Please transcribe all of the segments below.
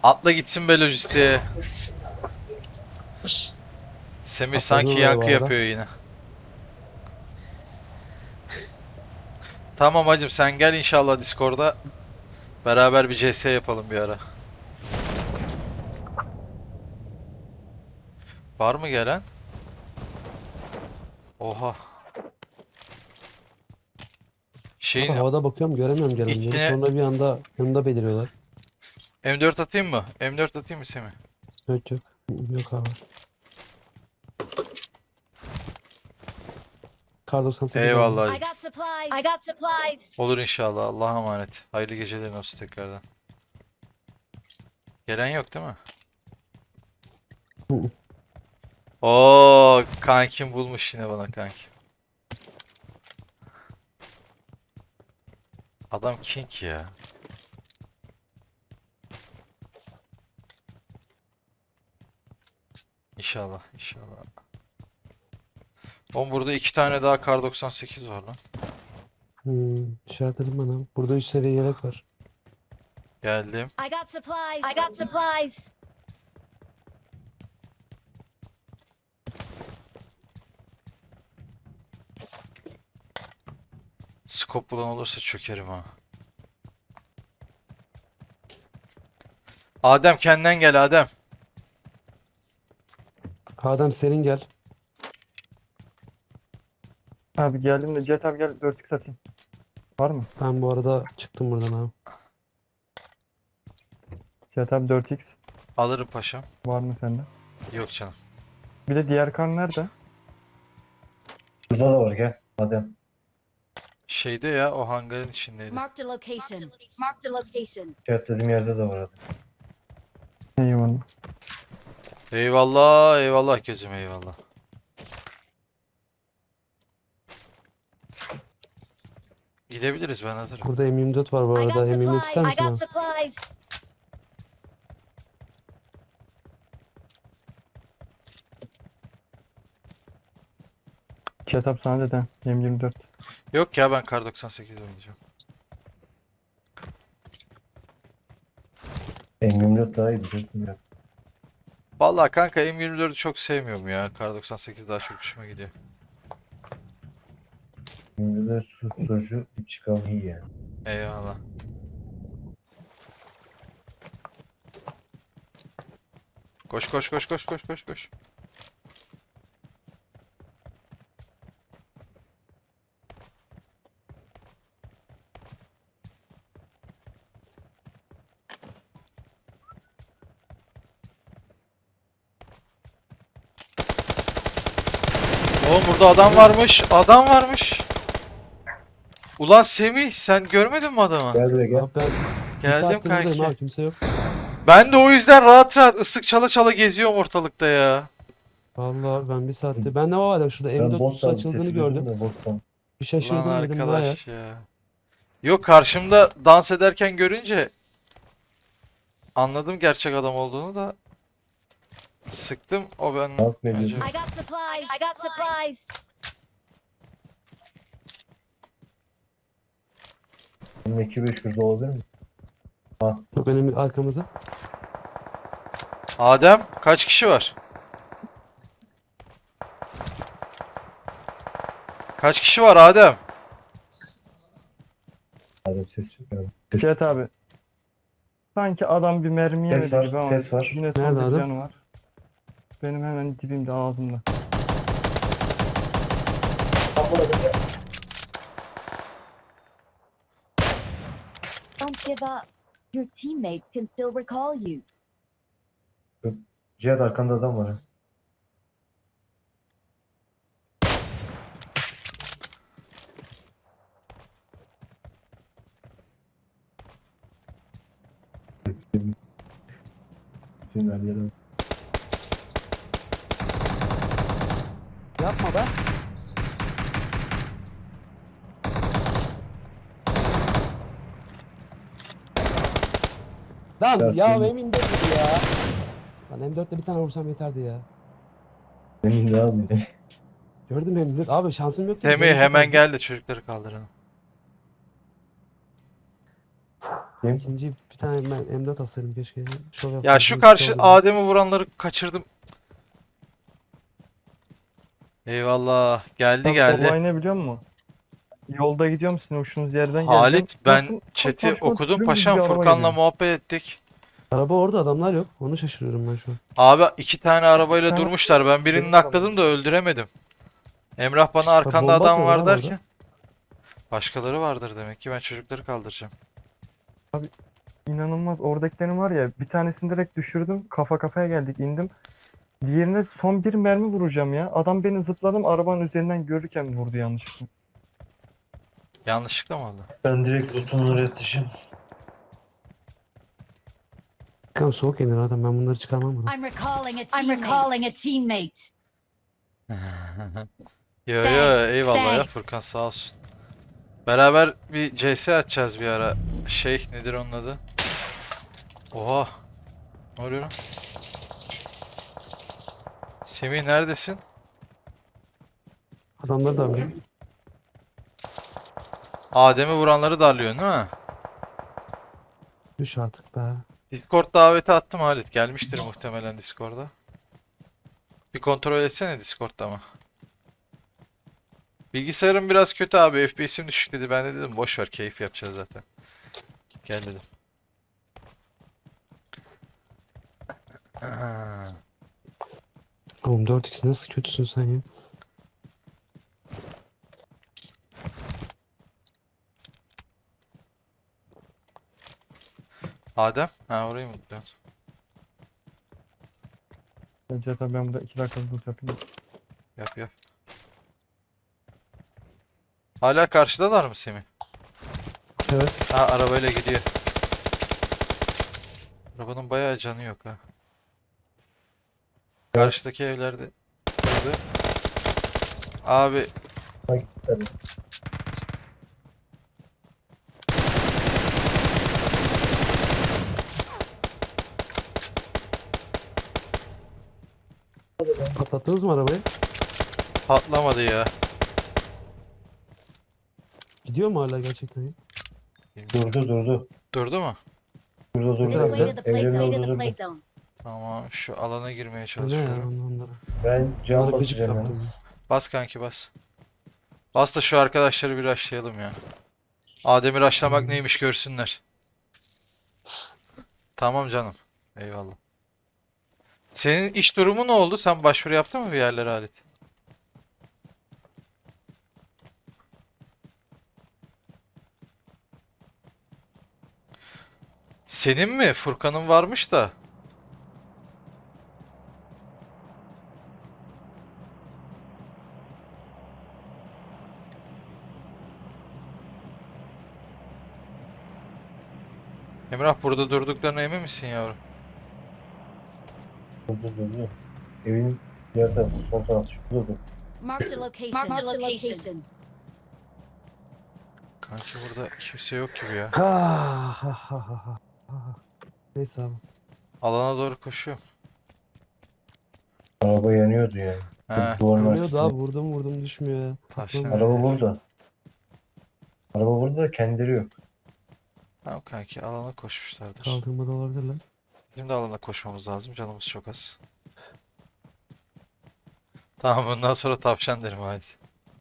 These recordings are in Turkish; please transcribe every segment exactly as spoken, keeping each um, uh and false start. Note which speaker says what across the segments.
Speaker 1: Atla gitsin be lojistiğe. Semih sanki
Speaker 2: Atladım oraya
Speaker 1: yankı
Speaker 2: bu arada.
Speaker 1: yapıyor yine. Tamam hacım, sen gel inşallah Discord'a. Beraber bir C S yapalım bir ara. Var mı gelen? Oha.
Speaker 2: Abi
Speaker 1: Şeyin
Speaker 2: havada bakıyorum göremiyorum gelenleri.
Speaker 1: içine
Speaker 2: Sonra bir anda yanında beliriyorlar.
Speaker 1: M dört atayım mı? M dört atayım mı Semih?
Speaker 2: Yok yok. Yok abi. Kar doksan sekiz
Speaker 1: Eyvallah
Speaker 2: aldım.
Speaker 3: I
Speaker 1: hacım.
Speaker 3: got supplies. I got supplies.
Speaker 1: Olur inşallah. Allah'a emanet. Hayırlı geceler olsun tekrardan. Gelen yok değil mi?
Speaker 2: Hı hı.
Speaker 1: Oo, kankim bulmuş yine bana kanki. Adam king ya. İnşallah, inşallah. Oğlum burada iki tane daha kar doksan sekiz var lan.
Speaker 2: Hmm, işaretledim bana. Burada üç seviye yelek var.
Speaker 1: Geldim.
Speaker 3: I got supplies. I got supplies.
Speaker 1: Skop bulan olursa çökerim ha. Adem kendinden gel Adem.
Speaker 2: Adem senin gel.
Speaker 4: Abi geldim de Cihat abi gel dört x atayım. Var mı?
Speaker 2: Ben bu arada çıktım buradan abi.
Speaker 4: Cihat abi dört x
Speaker 1: Alırım paşam.
Speaker 4: var mı sende?
Speaker 1: Yok canım.
Speaker 4: Bir de diğer kar nerede?
Speaker 5: Burada da var gel. Hadi.
Speaker 1: Şeyde ya, o hangarın içindeydi.
Speaker 3: Marked a location. Marked a location.
Speaker 5: Cevap dediğim yerde de var hadi.
Speaker 4: Eyvallah.
Speaker 1: Eyvallah, eyvallah gözüm, eyvallah. Gidebiliriz, ben hazırım.
Speaker 2: Burada M yirmi dört var bu
Speaker 3: I
Speaker 2: arada.
Speaker 3: got
Speaker 2: M yirmi dört
Speaker 3: supplies.
Speaker 2: ister
Speaker 3: I
Speaker 2: misin
Speaker 3: got
Speaker 2: abi?
Speaker 3: supplies.
Speaker 4: Cihat abi sana neden? M yirmi dört.
Speaker 1: Yok ya, ben kar doksan sekiz oynayacağım.
Speaker 5: M yirmi dört daha iyi biliyorsun ya.
Speaker 1: Vallahi kanka M yirmi dördü çok sevmiyorum ya. Kar doksan sekiz daha çok hoşuma gidiyor.
Speaker 5: yirmi dört susturucu bir çıkan iyi yani.
Speaker 1: Eyvallah. Koş koş koş koş koş koş koş. Oğlum burada adam varmış. Adam varmış. Ulan Semih, sen görmedin mi adamı?
Speaker 5: Gel buraya gel.
Speaker 2: Abi ben bir
Speaker 1: Geldim
Speaker 2: saattir buradayım
Speaker 1: kanki.
Speaker 2: abi, kimse yok.
Speaker 1: Ben de o yüzden rahat rahat ısık çala çala geziyorum ortalıkta ya.
Speaker 2: Vallahi abi ben bir saattir. Ben ne var ya şurada M
Speaker 5: Ben
Speaker 2: dört
Speaker 5: bot
Speaker 2: kutusu
Speaker 5: aldım
Speaker 2: açıldığını
Speaker 5: sesi
Speaker 2: gördüm.
Speaker 5: duydum da bottan.
Speaker 2: Bir
Speaker 1: Ulan
Speaker 2: şaşırdım dedim vay ya.
Speaker 1: arkadaş ya. Yok, karşımda dans ederken görünce anladım gerçek adam olduğunu da sıktım, o ben
Speaker 5: Dans mı
Speaker 1: önce.
Speaker 5: ediyorsun?
Speaker 3: I got supplies. I got supplies.
Speaker 5: Bunun iki beş yüz olabilir mi?
Speaker 2: Çok önemli arkamızda.
Speaker 1: Adem, kaç kişi var? Kaç kişi var Adem?
Speaker 5: Hadi ses çıkıyor. Ses,
Speaker 4: Cihat abi. Sanki adam bir mermi
Speaker 5: Ses
Speaker 4: yemedi
Speaker 5: var,
Speaker 4: gibi ama
Speaker 5: ses var.
Speaker 4: yine
Speaker 2: Nerede
Speaker 4: son bir
Speaker 2: adam?
Speaker 4: canı var. Benim hemen dibimde ağzımda.
Speaker 3: Don't give up. Your teammates can still recall you.
Speaker 5: Cihat arkanda adam var. ha. Bütün her yere.
Speaker 2: Yapma be. Lan
Speaker 5: Ya
Speaker 2: ya
Speaker 5: senin-
Speaker 2: M yirmi dört dedi ya. Lan M dörtle bir tane vursam yeterdi ya.
Speaker 5: Benim de abi.
Speaker 2: Gördüm M yirmi dört. Abi şansım yoktu.
Speaker 1: Semih
Speaker 2: canım çok
Speaker 1: hemen
Speaker 2: azdı.
Speaker 1: gel de çocukları kaldıralım.
Speaker 5: Kim?
Speaker 2: İkinci bir tane ben M dört alsaydım keşke. Şov
Speaker 1: Ya
Speaker 2: yapardım,
Speaker 1: şu
Speaker 2: riskli
Speaker 1: karşı
Speaker 2: oldu biraz.
Speaker 1: Adem'i vuranları kaçırdım. Eyvallah. Geldi
Speaker 4: Abi
Speaker 1: geldi.
Speaker 4: olay ne biliyor musun? Yolda gidiyorum, sizin uçtuğunuz yerden geleceğim.
Speaker 1: Halit ben
Speaker 4: Baktım, tam
Speaker 1: chat'i
Speaker 4: karşıma
Speaker 1: okudum
Speaker 4: dümdüz
Speaker 1: paşam,
Speaker 4: bir araba
Speaker 1: Furkan'la
Speaker 4: geliyor.
Speaker 1: muhabbet ettik.
Speaker 2: Araba orada, adamlar yok. Onu şaşırıyorum ben şu an.
Speaker 1: Abi iki tane arabayla
Speaker 4: tane
Speaker 1: durmuşlar. Ben birini
Speaker 4: benim
Speaker 1: nakladım
Speaker 4: arabam.
Speaker 1: da öldüremedim. Emrah bana
Speaker 2: Ha,
Speaker 1: arkanda
Speaker 2: bomba
Speaker 1: adam var
Speaker 2: atıyorlar abi orada.
Speaker 1: derken. Başkaları vardır demek ki, ben çocukları kaldıracağım.
Speaker 4: İnanılmaz. Oradakilerin var ya, bir tanesini direkt düşürdüm. Kafa kafaya geldik, indim. Diğerine son bir mermi vuracağım ya. Adam beni zıpladım, arabanın üzerinden görürken vurdu yanlışlıkla.
Speaker 1: Yanlışlıkla mı oldu?
Speaker 5: Ben direkt lootumu üretişim.
Speaker 2: Bakalım soğuk yenir adam, ben bunları çıkarmam buradan.
Speaker 3: I'm recalling a teammate. I'm recalling a teammate.
Speaker 1: Yo yo,
Speaker 3: Thanks,
Speaker 1: eyvallah ya
Speaker 3: thanks.
Speaker 1: Furkan, sağ olsun. Beraber bir C S atacağız bir ara. Şey nedir onun adı? Oha. Ne oluyor lan? Semih neredesin?
Speaker 2: Adamları da arıyorum.
Speaker 1: Adem'i vuranları darlıyorsun değil mi?
Speaker 2: Düş artık be.
Speaker 1: Discord daveti attım Halit. Gelmiştir muhtemelen Discord'a. Bir kontrol etsene Discord'da mı? Bilgisayarım biraz kötü abi. F P S'im düşük dedi. Ben de dedim boş ver, keyif yapacağız zaten. Gel dedim.
Speaker 2: Oğlum dört x nasıl kötüsün sen ya?
Speaker 1: Adem? Ha, orayı mı tutuyorsun?
Speaker 4: Ya Cihat abi, ben burada iki dakika loot yapayım.
Speaker 1: Yap yap. Hala karşıdalar mı Semih?
Speaker 2: Evet.
Speaker 1: Ha, arabayla gidiyor. Arabanın bayağı canı yok ha. Karşıdaki evlerde. Gördü. Abi
Speaker 5: Ha gitti tabii.
Speaker 2: Patlattınız mı arabayı?
Speaker 1: patlamadı ya.
Speaker 2: Gidiyor mu hala gerçekten ya?
Speaker 5: Durdu durdu.
Speaker 1: Durdu mu?
Speaker 5: Durdu
Speaker 2: This
Speaker 3: This
Speaker 5: durdu.
Speaker 3: way to the play
Speaker 5: Evlerin
Speaker 3: zone.
Speaker 5: orada
Speaker 3: To the
Speaker 5: durdu.
Speaker 3: play zone.
Speaker 1: Tamam, şu alana girmeye
Speaker 2: Ne ya
Speaker 1: çalışıyorum.
Speaker 2: onlara?
Speaker 5: Ben cam
Speaker 2: Onlara gıcık
Speaker 5: basacağım
Speaker 2: kaptım.
Speaker 5: yalnız.
Speaker 1: Bas kanki bas. Bas da şu arkadaşları bir rushlayalım ya. Adem'i rushlamak
Speaker 2: Hmm.
Speaker 1: neymiş görsünler. Tamam canım. Eyvallah. Senin iş durumu ne oldu? Sen başvuru yaptın mı bir yerlere Halit? Senin mi? Furkan'ın varmış da. Emrah, burada durduklarına emin misin yavrum?
Speaker 5: Durdu durdu. Evin diğer tarafı, sol tarafı. Şurada dur.
Speaker 3: Marked a location. Marked a location.
Speaker 1: Kanki burada kimse yok gibi ya.
Speaker 2: Ha ha ha ha ha. ha. Neyse abi.
Speaker 1: Alana doğru koşuyorum.
Speaker 5: Araba yanıyordu yani.
Speaker 1: He,
Speaker 5: Duvarın
Speaker 2: Yanıyordu
Speaker 5: arkasında.
Speaker 2: abi, vurdum vurdum düşmüyor ya.
Speaker 1: Taşın
Speaker 2: Patlamıyor.
Speaker 5: Araba burada. Araba burada da kendileri yok.
Speaker 1: tamam kanki, alana koşmuşlardır.
Speaker 2: Kaldırmada olabilirler.
Speaker 1: Bizim de alana koşmamız lazım. Canımız çok az. Tamam, bundan sonra tavşan derim Halit.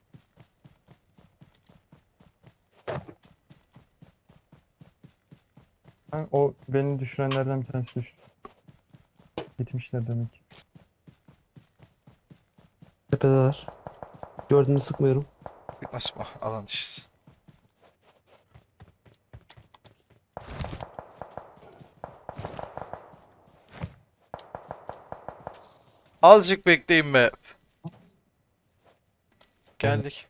Speaker 4: Ha, o beni düşürenlerden bir tanesi düştü. Gitmişler demek ki.
Speaker 2: Tepedeler. Gördüğünü sıkmıyorum.
Speaker 1: Sıkma sıkma, alan dışısı. Azıcık bekleyin be. Geldik.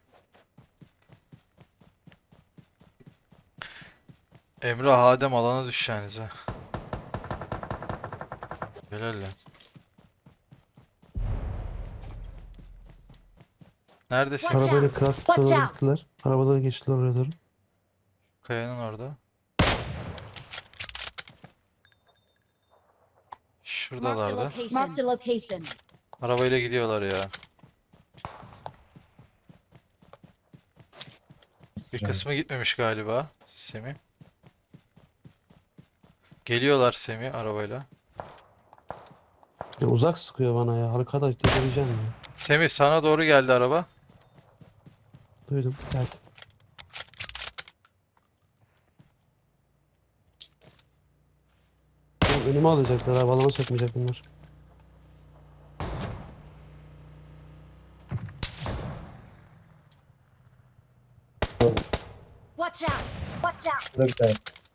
Speaker 1: Emrah, Adem alana düşeceğiniz ha. Helal lan. Neredesin?
Speaker 3: Watch
Speaker 2: Arabayla
Speaker 3: out.
Speaker 2: kras
Speaker 3: Watch
Speaker 2: doğru
Speaker 3: out.
Speaker 2: gittiler. Arabadan geçtiler oraya doğru.
Speaker 1: Kayanın orada.
Speaker 3: Marked a
Speaker 1: Şuradalardı.
Speaker 3: location. Marked a location.
Speaker 1: Arabayla gidiyorlar ya. Bir
Speaker 5: Evet.
Speaker 1: kısmı gitmemiş galiba. Semih. Geliyorlar Semih arabayla.
Speaker 2: Ya uzak sıkıyor bana ya. Arkadaş delireceğim ya.
Speaker 1: Semih sana doğru geldi araba.
Speaker 2: Duydum. Gelsin. Oğlum önüme alacaklar ha. Balona sokmayacak bunlar.
Speaker 3: Watch out! Watch out!
Speaker 5: Burada bir tane.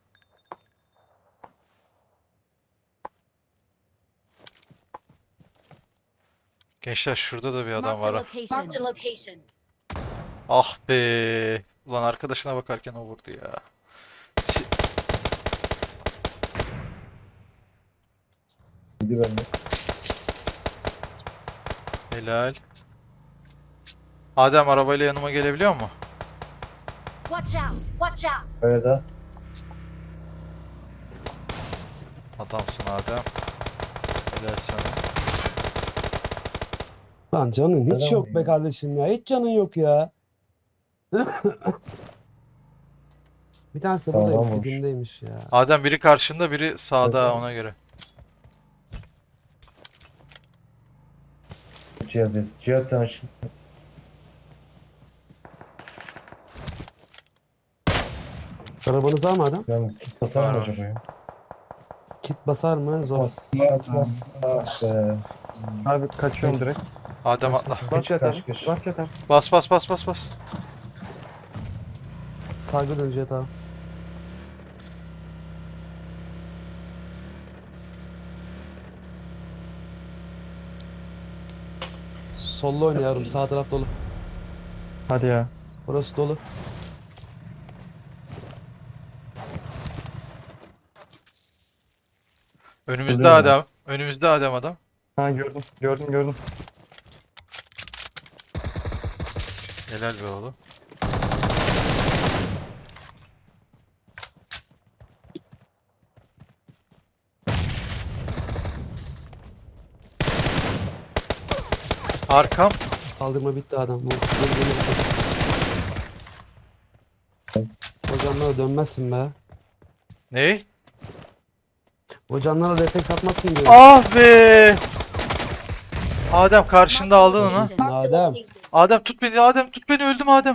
Speaker 1: Gençler şurada da bir adam
Speaker 3: Marked
Speaker 1: var
Speaker 3: a
Speaker 1: ha.
Speaker 3: location. Marked a location.
Speaker 1: Ah be. Ulan arkadaşına bakarken o vurdu ya. Si-
Speaker 5: Gidi bende.
Speaker 1: Helal. Adem arabayla yanıma gelebiliyor mu?
Speaker 3: Watch out! Watch out!
Speaker 5: Kayada.
Speaker 1: Adamsın Adem. Helal sana.
Speaker 2: Lan canın hiç
Speaker 5: Neden
Speaker 2: yok be
Speaker 5: vuruyor?
Speaker 2: kardeşim ya. Hiç canın yok ya. Bir tanesi de
Speaker 5: Tamam,
Speaker 2: buradaymış,
Speaker 5: vurmuş.
Speaker 2: dibindeymiş ya.
Speaker 1: Adem biri karşında biri sağda
Speaker 5: Evet.
Speaker 1: ona göre.
Speaker 5: Cihat dedi. Cihat sen aç.
Speaker 2: Arabanız var mı adam?
Speaker 5: Ben kit basar
Speaker 1: Var,
Speaker 5: mı
Speaker 1: var.
Speaker 5: acaba ya?
Speaker 2: Kit basar mı? Zor.
Speaker 5: Bas. Bas. Bas. Ah be.
Speaker 4: Abi kaçıyorum direkt.
Speaker 1: Adem atla.
Speaker 4: Bas
Speaker 5: Kaç,
Speaker 4: yeter.
Speaker 5: kaç, kaç.
Speaker 4: Bas yeter.
Speaker 1: Bas bas bas bas bas.
Speaker 2: Saygı dönecek abi. Sollu oynuyorum. Sağ taraf dolu.
Speaker 4: Hadi ya.
Speaker 2: Orası dolu.
Speaker 1: Önümüzde
Speaker 5: Oluyor mu?
Speaker 1: Adem. Önümüzde Adem adam.
Speaker 4: Ha gördüm. Gördüm gördüm.
Speaker 1: Helal be oğlum. Arkam.
Speaker 2: Kaldırma bitti adam. Bu, geri geri bitti. Hocamlara dönmezsin be.
Speaker 1: Ne?
Speaker 2: Hocamlara refleks atmazsın diyor.
Speaker 1: Ah be. Adem karşında aldın onu.
Speaker 3: Marked a
Speaker 2: Adem.
Speaker 3: location.
Speaker 1: Adem tut beni, Adem tut beni, öldüm Adem.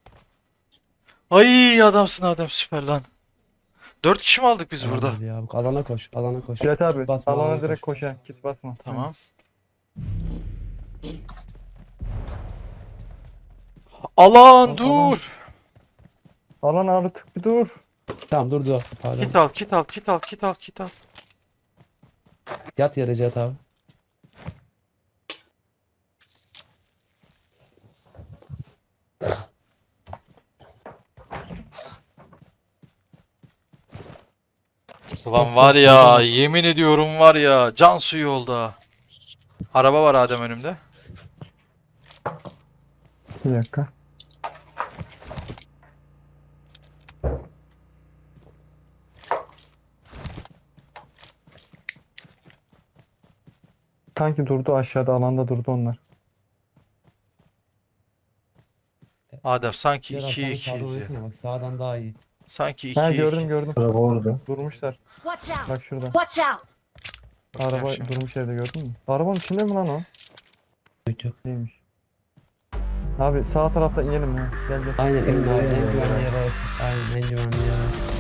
Speaker 1: Ay adamsın Adem, süper lan. Dört kişi mi aldık biz burada?
Speaker 2: Hadi ya, alana koş. Alana koş.
Speaker 4: Cihat abi.
Speaker 2: Basma,
Speaker 4: Alana
Speaker 2: alana
Speaker 4: direkt
Speaker 2: koş.
Speaker 4: koş ha. Kit basma.
Speaker 1: Tamam. Alan dur.
Speaker 4: Alan artık bir dur.
Speaker 2: Tamam dur dur. Pardon.
Speaker 1: Kit al, kit al, kit al, kit al, kit al.
Speaker 2: Yat yere Cihat abi.
Speaker 1: Ulan var ya, yemin ediyorum var ya, can suyu yolda. Araba var Adem önümde.
Speaker 4: Bir dakika. Sanki durdu aşağıda alanda durdu onlar.
Speaker 1: Adem sanki
Speaker 2: Cihat abi,
Speaker 1: ikiye
Speaker 2: sen sağdan
Speaker 1: ikiyiz ya.
Speaker 2: oynasana bak, sağdan daha iyi.
Speaker 1: Sanki
Speaker 4: Ha
Speaker 1: ikiye
Speaker 4: gördüm
Speaker 1: iki.
Speaker 4: gördüm.
Speaker 5: Araba orada.
Speaker 4: Durmuşlar.
Speaker 3: Watch out!
Speaker 4: Bak şurada.
Speaker 3: Watch out!
Speaker 1: Bakacağım
Speaker 4: Araba
Speaker 1: şimdi.
Speaker 4: durmuş yerde gördün mü? Arabanın içinde mi lan o?
Speaker 2: Yok yok.
Speaker 4: Değilmiş. Abi sağ tarafta inelim ya. Gel gel.
Speaker 2: Aynen en,
Speaker 5: Aynen,
Speaker 2: en
Speaker 5: aynen.
Speaker 2: güvenli yer orası. Aynen en güvenli yer orası.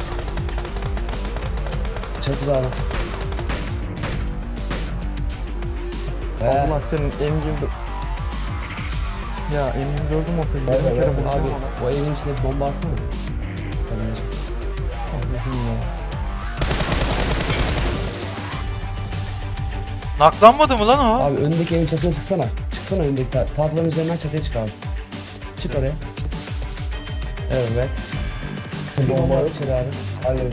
Speaker 2: Çatıda adam. Be.
Speaker 4: Allah senin emgin... Ya emgin gördüm olsa
Speaker 5: Nerede,
Speaker 4: bir kere
Speaker 5: nerede?
Speaker 4: vuracağım
Speaker 2: Abi
Speaker 4: ona.
Speaker 2: o evin içinde bir bomba atsana. Tamam.
Speaker 4: Allah'ım ya.
Speaker 1: Naklanmadı mı lan o?
Speaker 2: Abi önündeki evin çatısına çıksana. Çıksana önündeki ta tahtaların üzerinden çatıya çık abi. Çık oraya. Evet. Bir bomba at içeri abi.
Speaker 5: Hayır.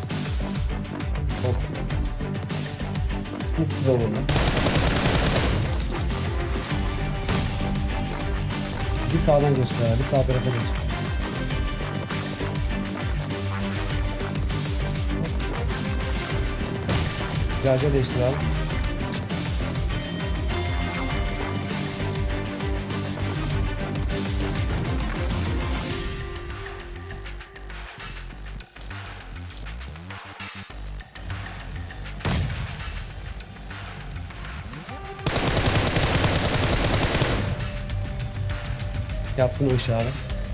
Speaker 5: Hiç güzel olur lan.
Speaker 2: Bir sağdan göster abi. Bir sağ tarafa geç. Garja değiştir abi. Yaptın o işi abi.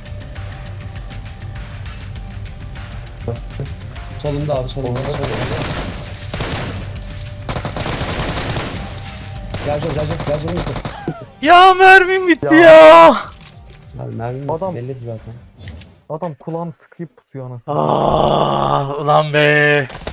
Speaker 2: Solunda abi solunda. solunda. Gel gel gel gel gel gel.
Speaker 1: Ya mermim bitti
Speaker 4: Ya.
Speaker 1: ya.
Speaker 2: Abi mermi
Speaker 4: Adam-
Speaker 2: belliydi zaten.
Speaker 4: Adam kulağını tıkayıp pusuyor anasını.
Speaker 1: Aa, ulan be.